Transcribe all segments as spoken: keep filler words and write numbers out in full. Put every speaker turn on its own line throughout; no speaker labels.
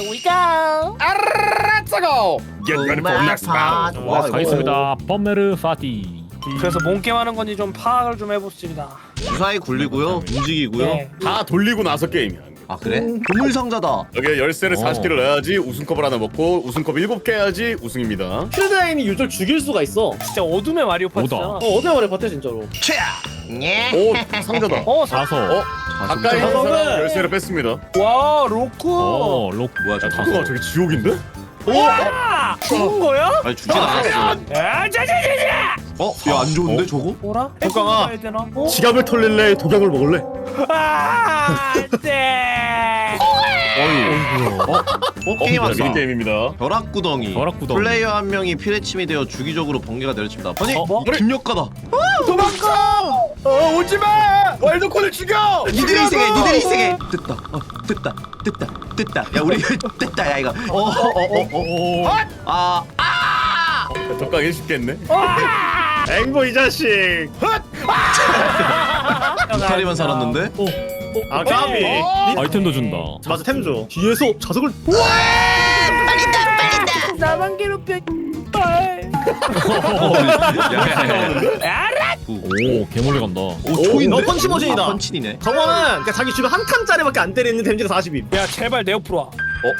we go.
Let's go. Get ready for next battle.
와, 가겠습니다. 펌메르 파티.
그래서 뭔 게임 하는 건지 좀 파악을 좀 해봅시다.
무사히 굴리고요, 움직이고요.
네.
다 돌리고 나서 게임이야.
아 그래? 보물 상자다.
여기 열쇠를
어.
사십 개를 넣어야지 우승컵을 하나 먹고 우승컵 일곱 개 해야지 우승입니다.
킬드라인이 유저 죽일 수가 있어. 어,
진짜 어둠의 마리오 파티잖아.
오다.
어디 말해 봤대 진짜로.
오 상자다.
어, 사...
사서.
어 가까이 있는
사서는-
사람 열쇠를 뺐습니다.
와, 로쿠.
어, 록.
뭐야 저
그거 저기 지옥인데?
와! 죽은 거야?
아니 죽진 않았어.
아, 자자자자!
어? 야 안 좋은데
어?
저거?
뭐라?
독강아.
해야 되나? 어?
지갑을 털릴래? 독약을 먹을래?
아, 네.
어? 게임
어,
왔어.
미니 게임입니다.
벼락구덩이.
벼락구덩이.
플레이어 한 명이 피레침이 되어 주기적으로 번개가 내려칩니다. 아니
어,
뭐?
김력가다.
도망가! 어 오지 마! 와일드콘을 죽여!
니들이 희생해, 니들이 희생해. 됐다. 어, 됐다. 됐다. 됐다. 야 우리 됐다. 야 이거. 어어어어. 어. 아.
독강 일쉽겠네.
앵보 이 자식.
이탈리만 살았는데?
아 까비.
아이템도 준다.
맞아 템 줘. 뒤에서 자석을.
나만 괴롭혀.
야야야.
오, 개몰래 간다.
오 초인데?
너 펀치 머신이다.
아, 펀치니네.
저거는 그러니까 자기 주변 한 칸짜리밖에 안 때리는 데미지가 사십임.
야, 제발 내 옆으로 와.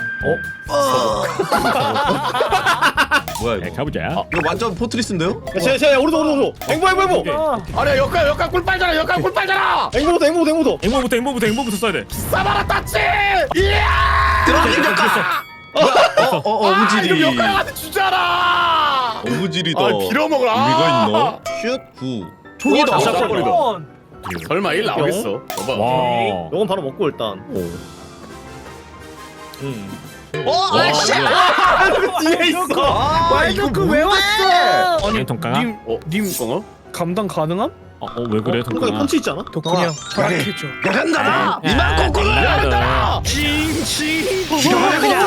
뭐야
네,
이거?
가보자.
이거 완전 포트리스인데요?
제, 제 오른쪽 오른쪽 오른쪽. 앵보 앵보 앵보.
아,
아니야 역할 역할 꿀 빨잖아 역할 꿀 빨잖아!
앵보부터 앵보부터 앵보부터.
앵무부터 앵무부터 앵무부터 써야 돼.
싸바라 따치! 이야!
드라기 역가. 어어 어부지리.
이거 역할한테 주잖아!
어부지리다.
아 빌어먹어라!
의미가 있나? 슛 구.
총이다.
오,
샷
샷
버리다.
원.
설마 일 나오겠어? 봐봐.
와.
요건 바로 먹고 일단.
오.
음.
어 아씨.
뒤에 있어.
아 이거
왜 왔어?
아니, 통깡아?
님,
어? 님 어?
감당 가능함?
어, 어, 왜 그래,
통깡에
통깡아?
펀치 있잖아.
덕분이 형, 저약해줘.
야간다. 이만 꼬꼬로 야간다.
징징.
죽여버려, 그냥.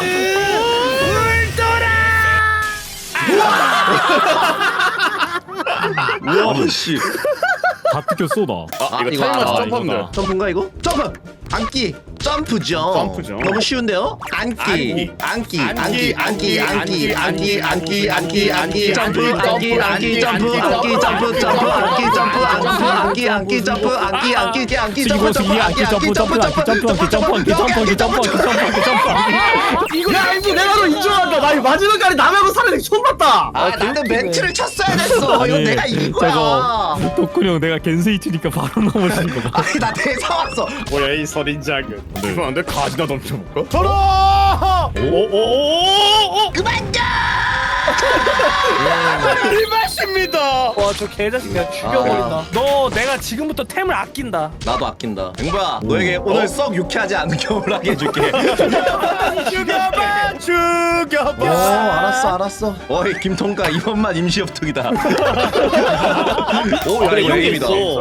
우와 씨.
다 뜯겨 쏘다.
아, 이거
이거
타임 맞춰
알아,
점프하면
이거다.
돼.
점프인가 이거? 점프! 앉기! 점프죠.
점프죠.
너무 쉬운데요? 앉기! 앉기! 앉기! 앉기! 앉기! 앉기! 앉기! 앉기! 앉기! 점프! 앉기! 앉기! 점프! 앉기! 점프! 점프! 앉기! 점프! 앉기! 앉기! 점프! 앉기! 앉기! 앉기! 점프! 점프!
안기 점프 점프 안기 점프 안기 점프 안기 점프 안기 점프 안기 점프 안기 점프 안기.
야 앵보 내가 너 인정한다. 나 이거 마지막까지 남하고 살아내기 처음 봤다.
아 나는 멘트를 쳤어야 됐어. 이거 내가 이긴 거야.
저거 덕훈이 형 내가 겐세이치니까 바로 넘어지는 거 봐.
아니 나 대사 왔어.
뭐야 이 선인장은.
죄송한데 가지나 던져볼까? 저라!
오오오오.
그만 좀!
이 맛입니다!
와, 저 개자식 내가 죽여버린다. 너 내가 지금부터 템을 아낀다.
나도 아낀다. 앵보야 너에게 오늘 썩 유쾌하지 않은 겨울 하게 해줄게.
죽여봐! 죽여봐!
어 알았어 알았어. 어이 김통가 이번만 임시 협특이다. 오야
그래
이거
이런 게
게임이다.
있어.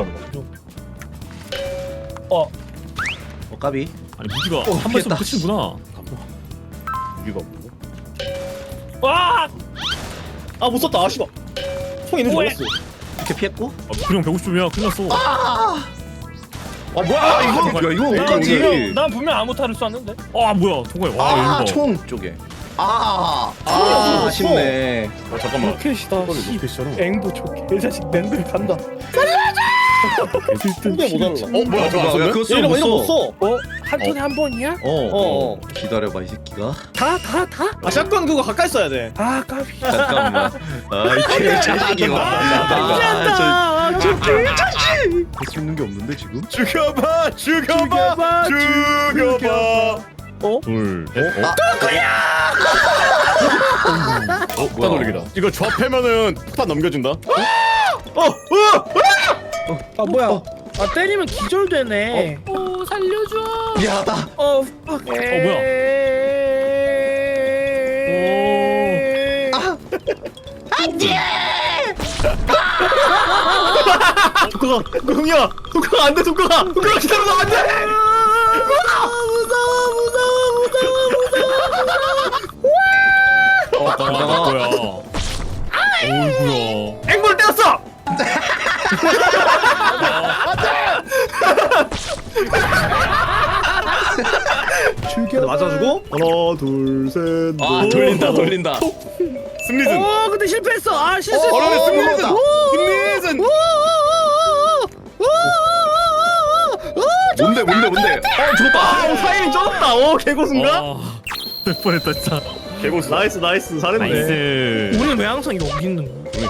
어,
어 까비.
아니 무지가
어,
한
피했다.
번씩 끝이구나.
이거 뭐?
와,
아 못 썼다. 아 씨발. 총 있는 줄
뭐해?
알았어.
이렇게 피했고.
아, 덕훈이 형 백오십 점이야. 큰일 났어.
아 뭐야 이거 야 이거
형,
어떡하지?
난 분명 아무 탈을 쐈는데.
아 뭐야 동호야. 와 이거.
아총 쪽에. 아, 아
총이었어,
아쉽네.
어 잠깐만.
로켓이다.
로켓이잖아.
앵보 저 개자식 랜드 간다.
총대 못 알아.
어 뭐야 저거 안
야,
썼네?
그거
이런 거 이런 거
써.
써.
어, 한 톤에 한 번이야?
어,
어.
어. 기다려봐 이 새끼가.
다, 다, 다?
아 샷건 그거 가까이 써야 돼.
아, 까비.
잠깐만. 아이 개자식이고.
아, 저
할수 있는 게 없는데 지금?
죽여봐! 죽여봐!
죽여봐!
죽여봐!
둘. 넷. 어?
어? 폭탄 돌리기다. 이거 조합하면은 폭탄 넘겨준다.
아, 뭐야. 아, 때리면 기절되네. 어, 살려줘.
미안하다.
어, 어,
뭐야?
독가가 독가야. 독가가 안돼 독가가. 독가가 기다려봐 안돼.
어, 아, 뭐야? 어이구야.
앵보를 때렸어.
죽여.
근데 맞아주고 하나 둘셋
아 돌린다 돌린다.
승리전.
어 근데 실패했어. 아 실수했어.
어려운 승리전.
오!
승리전.
뭔데 뭔데 뭔데? 어 죽었다.
아 사이링 쩔었다. 오 개고수인가?
아, 될 뻔했다 진짜.
개고수.
나이스 나이스 잘했네.
나이스.
우리는 왜 항상 여기 있는 거야?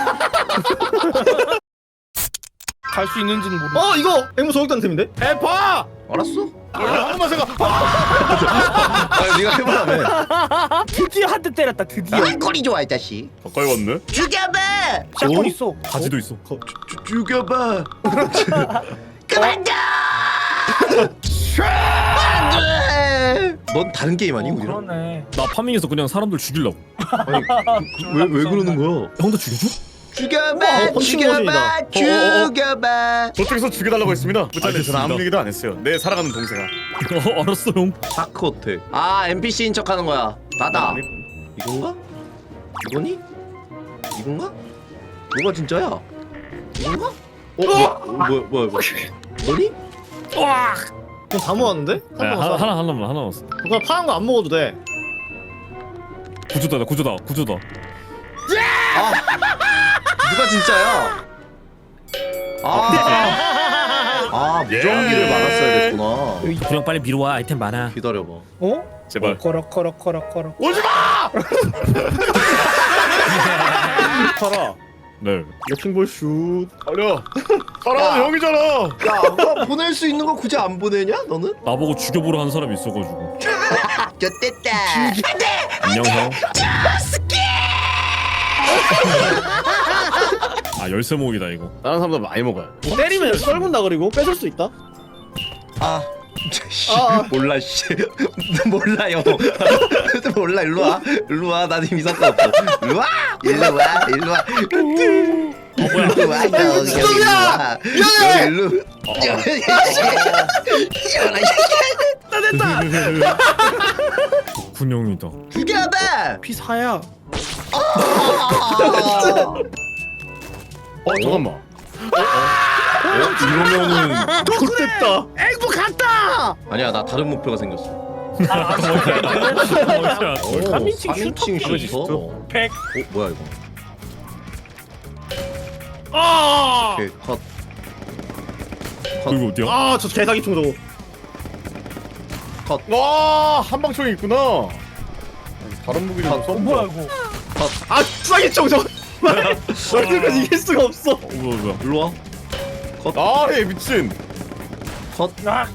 갈 수 있는지는 모르.
어 이거 앵무 저격단 템인데?
해봐.
알았어?
한 번만 생각.
아 네가 해보라며.
드디어 한 대 때렸다. 드디어.
아 꼬리 좋아 이 자식.
가까이 왔네.
죽여봐.
샷건 있어.
가지도 있어.
주, 죽여봐. 그만둬. 안돼. 넌 다른 게임 아니 우리랑?
그러네.
나 파밍해서 그냥 사람들 죽이려고.
왜왜 왜 그러는 거야?
형도 죽여줘?
죽여봐.
어, 펀칭
죽여봐.
머신이다.
죽여봐.
저쪽에서 죽여달라고 했습니다. 무찬이
알겠습니다.
저는 아무 얘기도 안 했어요. 내 사랑하는 동생아.
어, 알았어 형.
다크 호텔. 아 엔피씨인 척하는 거야. 나다. 이건가? 이거니? 이건가? 뭐가 진짜야? 이건가? 어? 뭐야 뭐야 뭐야 뭐야 너니?
와.
그럼 다 모았는데?
야,
한
하나
번
하나 하나만 하나 남았어.
그거 파란 거 안 먹어도 돼.
구조다 구조다 구조다.
누가 진짜야? 아, 아 무전기를
예.
막았어야 됐구나.
그냥 빨리 미뤄 와. 아이템 많아.
기다려봐.
어?
제발.
커럭 커럭 커럭 커럭.
오지 마.
팔아.
네.
레킹볼 슛.
가려. 사랑하는 형이잖아.
야, 아까 보낼 수 있는 거 굳이 안 보내냐? 너는?
나보고 죽여보려 한 사람이 있어가지고.
좆됐다.
안녕 형. 아 열쇠 모으기다 이거.
다른 사람들 많이 먹어요.
때리면 썰문다 그리고 뺏을 수 있다.
아, 씨,
아.
몰라 씨. 몰라요. 몰라. 일로 와. 일로 와. 나 지금 이상도 없어. 일로 와. 일로 와. 일로 와. 일로 와. 너
지동이야!
여기 일로. 여기 일로.
군형이다.
죽여봐.
피사야.
어 잠깐만.
이러면은
좋됐다.
앵무 갔다.
아니야, 나 다른 목표가 생겼어.
어,
삼인칭
삼인칭
슈터?
슈터.
백.
어, 뭐야 이거?
아.
오케이, 컷.
이거 어디야?
아저 개사기총 저거.
와 한방총이 있구나. 다른 무기 좀
어,
써.
뭐야 이거?
아 사기총 저거. 얼굴까지 이길 수가 없어.
어, 뭐야 뭐야?
일로 와.
아얘 미친.
아.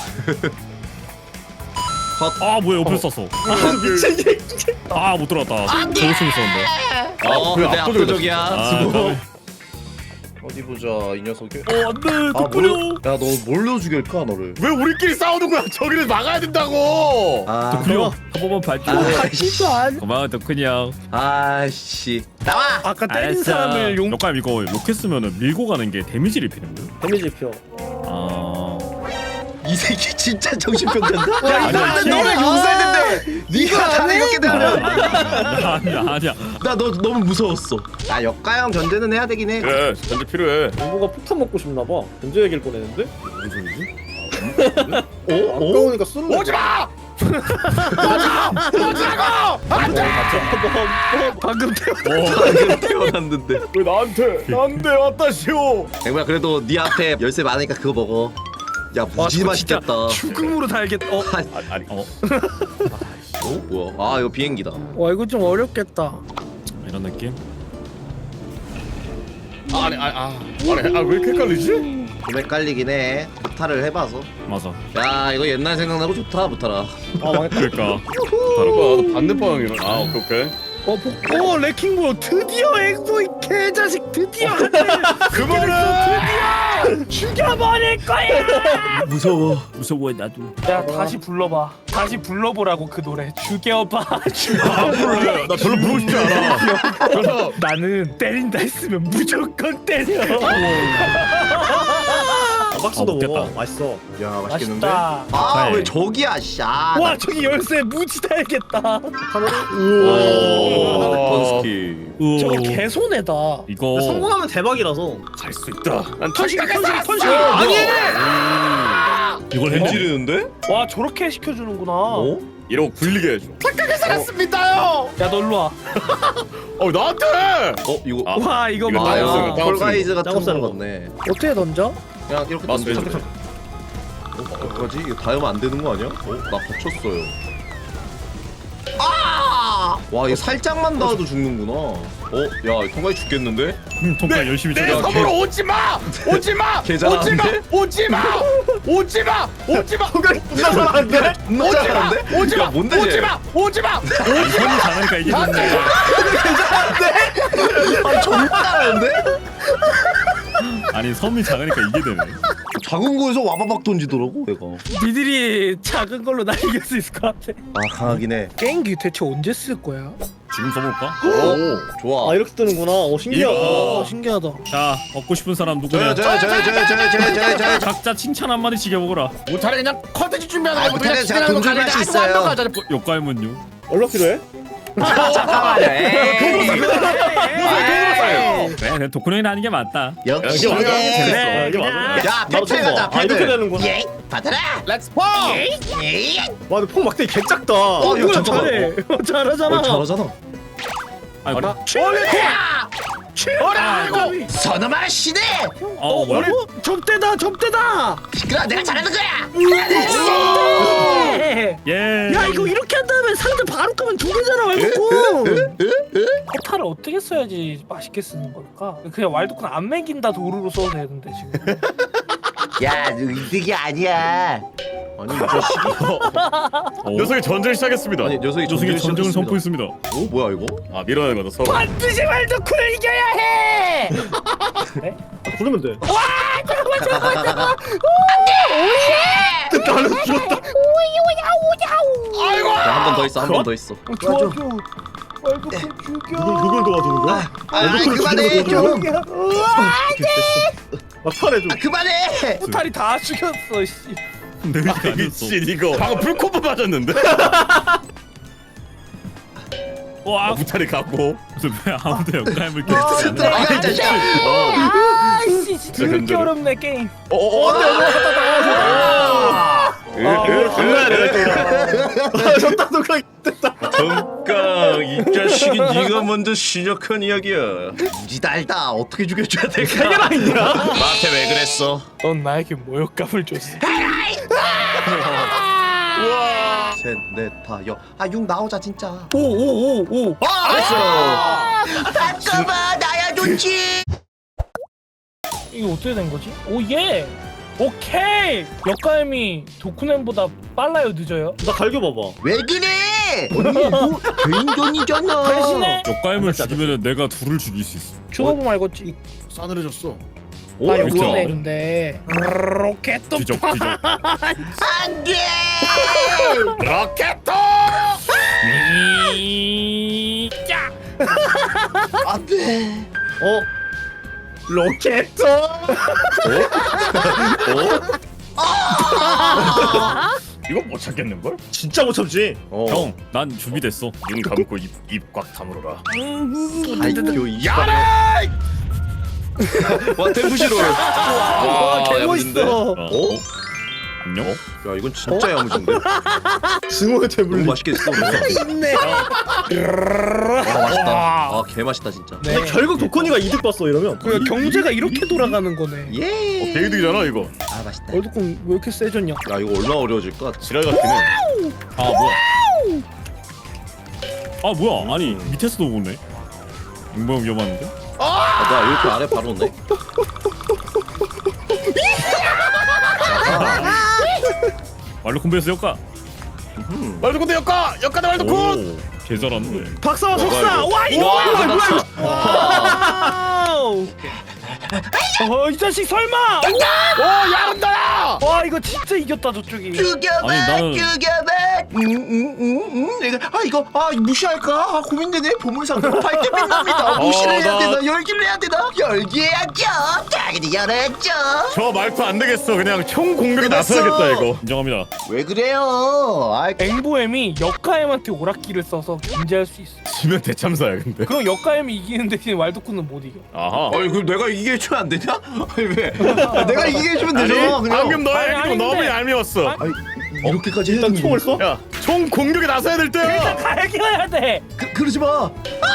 아 뭐야 옆에 쐈어.
미친 개.
아 못 들어갔다. 저거 총 있었는데.
어,
그래,
내
압도적이다,
압도적이야.
아,
수고.
까비.
어디 보자, 이 녀석이.
어 안돼
아,
덕분요.
뭘로- 야, 너 뭘로 죽일까 너를?
왜 우리끼리 싸우는 거야? 저기를 막아야 된다고.
아,
덕분요. 한 번만 봐줘.
아,
진짜 안.
고마워 덕분이 형.
아씨, 나와.
아까 때린 사람을 용.
역감 이거 로켓 쓰면은 밀고 가는 게 데미지를 입히는 거야?
데미지 표.
아.
이 새끼 진짜 정신병자다. 야, 이
아니야,
사람들 너를
아니야.
용서했는데 네가 다 이렇게 되면
아니야 아니야.
나 너 너무 무서웠어. 아, 역가형 견제는 해야 되긴 해.
그래 전제 필요해.
앵무가 폭탄 먹고 싶나 봐. 견제 얘기를 꺼내는데?
무슨 소리지?
어? 어?
아까우니까 쏠래.
오지 마. 오지라고.
방금 태.
방금 태어났는데.
왜 나한테 나한테 왔다 시오.
앵무야, 그래도 네 앞에 열쇠 많으니까 그거 먹어. 야, 무지
저거
맛있겠다.
죽음으로 달겠다. 어.
아니,
아니, 아니.
어
어? 뭐야? 아, 이거 비행기다.
와 이거 좀 어렵겠다.
이런 느낌?
아니 아니 아 아니 아왜 이렇게 헷갈리지?
좀 헷갈리긴 해. 무타를 해봐서.
맞아.
야, 이거 옛날 생각나고 좋다, 무타라.
아 망했다.
그러니까.
봐봐 반대 방향이라. 아 오케이 오케이.
어, 복, 어, 레킹볼 드디어 앵무 이 개자식 드디어 한 대.
그만해.
죽여버릴 거야.
무서워.
무서워 나도.
야 다시 불러봐. 다시 불러보라고 그 노래. 죽여봐.
안 부를래. 나 별로 부르고 싶지 않아. 그래서
나는 때린다 했으면 무조건 때려.
아, 박스도
아, 먹겠다.
먹어. 맛있어.
야, 맛있겠는데?
맛있다.
아,
네.
왜 저기야, 씨. 아,
와
나-
저기 열쇠 무지 달겠다.
오, 던스키.
저거 개손해다.
이거
성공하면 대박이라서.
갈 수 있다. 난
턴식 턴식 턴식.
아니!
이걸 했네.
지르는데?
와 저렇게 시켜주는구나.
어?
이러고 굴리게 해줘. 착하게 살았습니다요.
야 너 일로 와.
어 나한테.
어 이거
아,
와 이거
이거
뭐야?
나였어요.
아,
다음
폴가이즈 같은
작업사는
거
거.
같네.
어떻게 던져?
그냥 이렇게
마우스
던져.
왼쪽.
어? 어떡하지? 이거 닿으면 안 되는 거 아니야? 어? 나 다쳤어요. 아! 와, 이거 살짝만 닿아도 죽는구나. 어? 야, 통과해 죽겠는데?
음, 통과 열심히
내
쳐.
섬으로 오지 마. 오지 마.
개
오지 마.
잘하는데?
오지 마. 오지 마. 오지 마.
누가 잘하는데?
존나
오지 마.
잘하는데?
오지
야,
마.
뭔데
오지
쟤?
마. 오지 마.
손이 잘하니까 이게 됐네.
아니, 존나 잘하는데?
아니 섬이 작으니까 이게 되네.
작은 거에서 와바박 던지더라고, 얘가.
니들이 작은 걸로 날 이길 수 있을 것 같아.
아, 강하긴 해.
게임기 대체 언제 쓸 거야?
지금 써볼까?
오, 좋아.
아 이렇게 뜨는구나. 어 신기하다.
어 신기하다.
자 얻고 싶은 사람
저요,
누구냐?
저요, 저요, 저요, 저요, 저요, 저요, 저요.
각자 칭찬 한 마디씩 해보거라.
못하래 그냥 컨텐츠 준비하는
아,
거보다 그냥
못하래, 제가
진행하는
돈
거
준비할 수
가자.
있어요.
아주 완벽하자.
역가이문요.
얼마 필요해?
잠깐만요. 에이.
그래, 그래 도쿠노이는 하는 게 맞다.
역시.
이게 맞아.
아,
네.
이게 맞아.
야,
나도
패드
좀
가자,
봐. 아 이렇게
패드.
되는구나.
예, 받아라.
렛츠 포.
예.
와 근데 폭 막대기 개 작다.
어, 이거
이거
잠깐만.
잘해. 어, 잘하잖아.
어, 잘하잖아.
아이고.
어라고.
선엄아 시대.
어 뭐야?
어? 접대다 접대다.
시끄러, 내가 잘하는 거야.
네.
예.
야 이거 이렇게 한 다음에 상대 바로 끄면 두 개잖아 왈도쿤. 포탈을 어떻게 써야지 맛있게 쓰는 걸까? 그냥 왈도쿤 안 먹인다 도루로 써도 되는데 지금.
야, 너 이득이 아니야. 아니, 이 자식이.
어?
녀석이 전쟁 시작했습니다.
아니, 녀석이
조승이 전쟁을
시작했습니다.
선포했습니다.
어, 뭐야 이거?
아 밀어내는 거다 서로.
반드시 왈도쿤을 이겨야 해.
부르면 돼. 나는 죽었다.
아이고.
한 번 더 있어, 한 번 더 있어.
도와줘. 왈도쿤 죽여.
누굴 누굴 도와주는 거야?
아, 아, 그만해 좀.
막판에 좀.
아, 그만해.
포탈이 다 죽였어 씨.
내 의지가 아니었어.
미친 이거. 방금 불코프 맞았는데.
와,
무탈이 갖고.
무슨 왜 아무도 역가임을
아,
껴주지 않나?
들어가, 이 자식아.
아이씨 진짜 이렇게
견뎌라.
어렵네 게임.
어어.
아 이걸 건너야 돼. 아 졌다 누가 됐다.
정강, 이 자식이 네가 먼저 시작한 이야기야. 무지 달다. 어떻게 죽여줘야 될까?
세 개나 있냐?
나한테 왜 그랬어?
넌 나에게 모욕감을 줬어.
셋, 넷, 다, 여. 아, 육 나오자 진짜.
오오오 오.
아, 잠깐만, 나야 좋지.
이게 어떻게 된 거지? 오 예. 오케이. 역가임이 도쿠넨보다 빨라요 늦어요?
나 갈겨 봐봐.
왜 그래? 언니, 너 개인전이잖아.
대신에
역가임을 죽이면 내가 둘을 죽일 수 있어.
죽어보면 알겠지.
싸늘해졌어.
오,
아
그렇죠.
역가임인데 로켓도
뒤적 뒤적.
안 돼.
로켓도.
야.
안 돼.
어? 로켓.
이거 못 찾겠는 걸?
진짜 못 참지.
어.
형, 난 준비됐어.
눈 감고 입입 꽉 다물어라.
아이고, 이
야라!
와, 템프시로.
와
야무진데?
개멋있어.
어?
어?
안녕?
야, 이건 진짜 야무진데?
증오의
너무
태블릿.
맛있겠어. 와,
있네.
맛있다. 아, 개 맛있다 진짜.
네.
근데 결국 도코니가 이득 봤어 이러면.
그 경제가 이렇게 돌아가는 거네.
예.
개이득이잖아 이거.
아, 맛있다.
월드컵 왜 이렇게 세졌냐?
야, 이거 얼마나 어려워질까?
지랄 같긴 해.
아 뭐야? 아 뭐야? 아니 밑에서도 오네. 인공 위험한데?
아, 나 이렇게 아래 바로 오네.
말로 콤비에서 역가.
말도콘 역가 역가다 말도콘.
오, 개 잘하는데.
박사와 석사.
이거.
와 이거
와,
뭐야 뭐야 이거.
와우. 어이 자식 설마?
오 야른다야.
와 이거 진짜 이겼다 저쪽이.
죽여봐,
아니, 나는-
죽여봐. 음, 음, 음, 음. 내가 아 이거 아 무시할까? 아, 고민되네. 보물상자가 밝게 빛납니다. 무시를
어,
해야
나-
되나? 열기를 해야 되나? 열기해야죠. 당연히 열어야죠.
저 말투 안 되겠어. 그냥 총 공격에
끝났어.
나서야겠다 이거.
인정합니다.
왜 그래요? 아,
앵보엠이 역가엠한테 오락기를 써서 견제할 수 있어.
지면 대참사야 근데.
그럼 역가엠이 이기는 대신 왈도쿤은 못 이겨.
아하.
아니 그럼 내가 이게 해주면 안 되냐? 아니 왜? 내가 이기게 해주면 되잖아. 그냥.
방금 너의
아니,
행동 너무
아닌데.
얄미웠어.
아니 이렇게까지 해야
일단
되는
총을
거야?
써?
야, 총 공격에 나서야 될 때야.
일단 갈겨야 돼.
그, 그러지 마.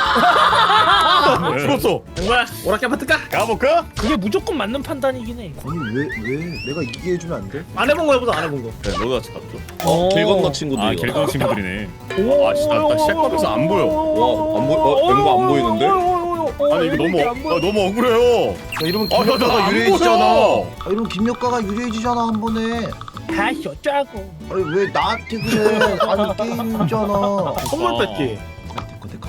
죽었어.
뭐야? 오락기 한번 뜰까?
가볼까?
그게 무조건 맞는 판단이긴 해.
아니 왜 왜 내가 이기게 해주면 안 돼?
안 해본 거 해보자. 안 해본 거.
그래, 너가 잡죠.
어, 길 건너 친구들
아
이거.
길건 친구들이네.
아, 씨, 나, 나 시작하면서 안 보여. 와, 안 보여. 어, 멤버 안 보이는데? 아니 이거 너무 어, 아, 너무 억울해요.
야, 이러면
아, 나,
김력가가
나안
유리해지잖아.
보여.
아, 이러면 김력가가 유리해지잖아 한 번에.
다시 어쩌고.
아니 왜 나한테 그래? 아니 게임이잖아.
선물
아.
뺏기.
내꺼 내꺼.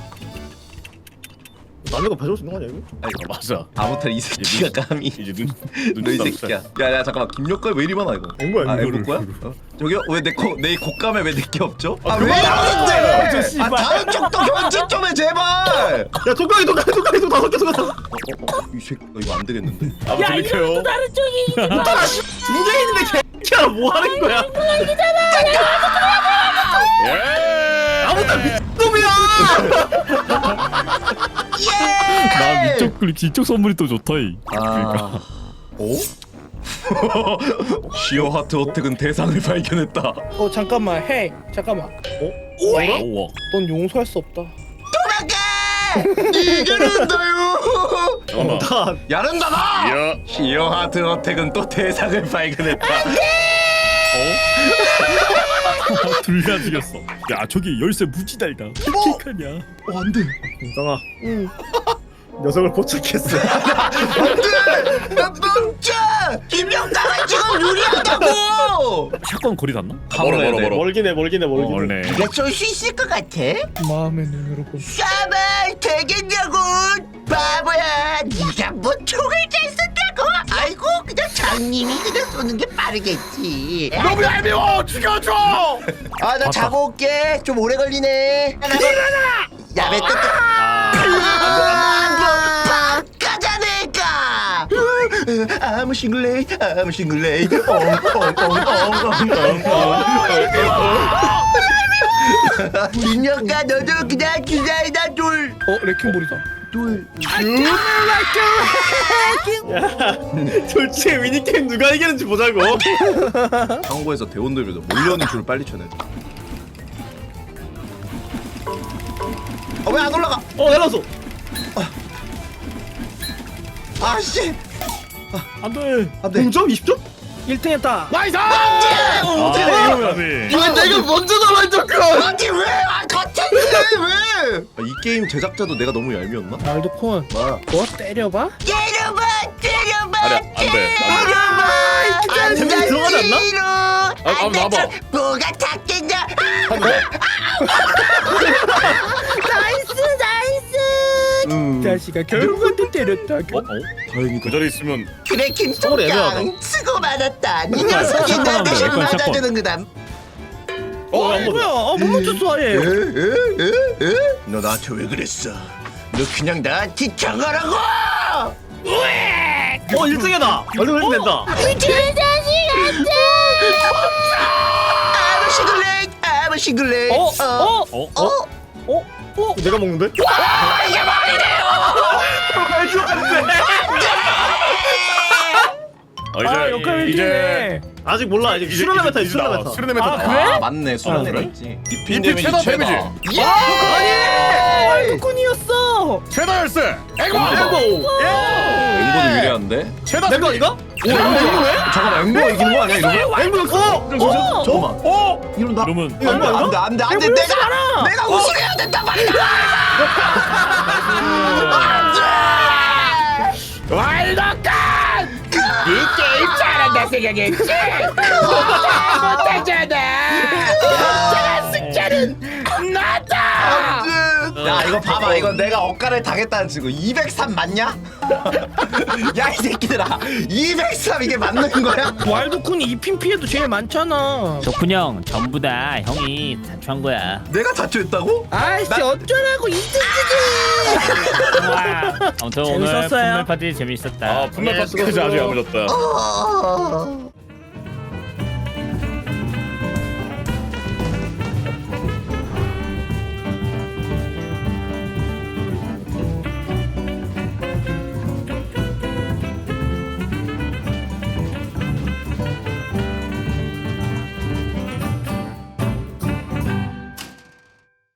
남의 거 가져올 수 있는 거 아니야 이거?
아니 맞아.
아무튼 이 새끼가 감히.
이제 눈
너 이
눈
새끼야. 야야 잠깐만 김력가 왜 이리 많아 이거?
앵거야
아
앵거.
앵거 거야? 어? 저기요 왜내내 곶감에 왜 내게 없죠?
아,
아왜
그만!
나는데?
저
아
씨발.
다른 쪽도 견제 좀 해 제발.
야 독가기 독가기 독가기 독 다섯 개 독가기.
이 새끼 어, 이거 안 되겠는데?
아,
야 이거
돌리켜요.
또 다른 쪽이.
두개 있는데 개야 뭐 하는 거야?
예.
아무튼 미친놈이야.
나 위쪽 클립 이쪽 선물이 또 좋다 이.
아. 오? 시어 하트 어택은 대상을 발견했다.
어 잠깐만 해. 잠깐만.
오와.
넌 용서할 수 없다.
이겨낸다요.
잠깐만.
다
야른다다.
야.
시어 하트 어택은 또 대상을 발견했다.
둘다 죽였어. 야 저기 열쇠 무지 달다. 어떡하냐.
어 안돼.
인성아
응.
녀석을 포착했어.
안돼. 나 멈춰. 김영가가 지금 유리하다고.
샷건 거리 닿나?
멀어 멀어 멀어.
멀긴 해 멀긴 해
어,
멀긴 해.
원래.
네가 쏠 수 있을 것 같아?
마음의 눈으로 본.
샤발 되겠냐고 바보야. 네가 뭐 총을 잘 쏜다고? 아이고 그냥 장님이 그냥 쏘는 게 빠르겠지.
너무 얄미워. 죽여줘.
아 나 자고 올게. 좀 오래 걸리네. 일어나. 야매 또 바까자 내가. 아무 싱글레이 아무 싱글레이 민혁아 너도 그냥 기다리다 돌.
어 레킹볼이다.
돌.
솔직히 미니게임 누가 이기는지 보자고.
한국에서 대원들보다 몰려오는 줄을 빨리 쳐내. 어 왜 안 올라가?
어 내려왔어.
아씨
안돼.
안돼.
공점 이십 점?
일 등 했다.
나이스.
아
어떻게 돼?
까비.
왜 내가 먼저 나왔잖아. 아니 왜? 아 같은 왜? 아, 이 게임 제작자도 내가 너무 얄미웠나?
말도콘.
뭐?
뭐 때려봐?
때려봐 때려봐
아니 안돼.
때려봐. 안
재밌게 들어가지 않나?
싫어.
아, 아, 나봐.
뭐가 닿겠냐?
나이스 나이스.
음.
자식아 결국은 또 때렸다.
어? 어?
다행이다.
그 자리에 있으면
그래
서울이 애매하다.
김총장 수고 많았다. 이 녀석이 나
샷건
대신
샷건.
맞아주는 거다.
어 뭐야? 어못 맞췄어 아예.
에에에에? 너 나한테 왜 그랬어? 너 그냥 나한테 저거라고!
어 일 등이다. 얼른 일 된다.
아무 싱글레이 아무 싱글레이.
어? 어?
어?
어?
어? 어?
내가 먹는데?
이게 말이래요!
말도 안 돼.
어, 이제
아 역할
이제
일이네.
아직 몰라. 이제 수련의 메타
이제
수련의
나와.
메타.
수련의 메타.
아,
나와.
그래?
아 맞네 수련회가
아,
있지.
이피 최다 데미지.
예!
말도콘이었어.
최다 열쇠. 에고.
에고.
앵보도 유리한데?
최다
내거 이거?
오 앵보네?
잠깐만 앵보가 이기는 거 아니야 이러면?
앵보였어.
잠깐만
어?
이런다
그러면
이거 앵보
안돼
아닌가?
안돼 안돼 내가 내가 우승해야 된단 말이야.
와일드컷! 이 게임 잘한다 생각했지? 못하잖아! 진정한 승자는 나다!
야 이거 봐봐 이거 내가 억가를 당했다는 친구 이백삼 맞냐? 야 이 새끼들아 이백삼 이게 맞는 거야?
와일드콘이 이핀 피해도 제일 많잖아.
덕훈 형 전부 다 형이 자초한 거야.
내가 자초했다고?
아이씨
나-
어쩌라고 이등지지.
아무튼 오늘
재밌었어요.
분말 파티 재밌었다.
아 분말 파스까지 아주 야무졌다.
어...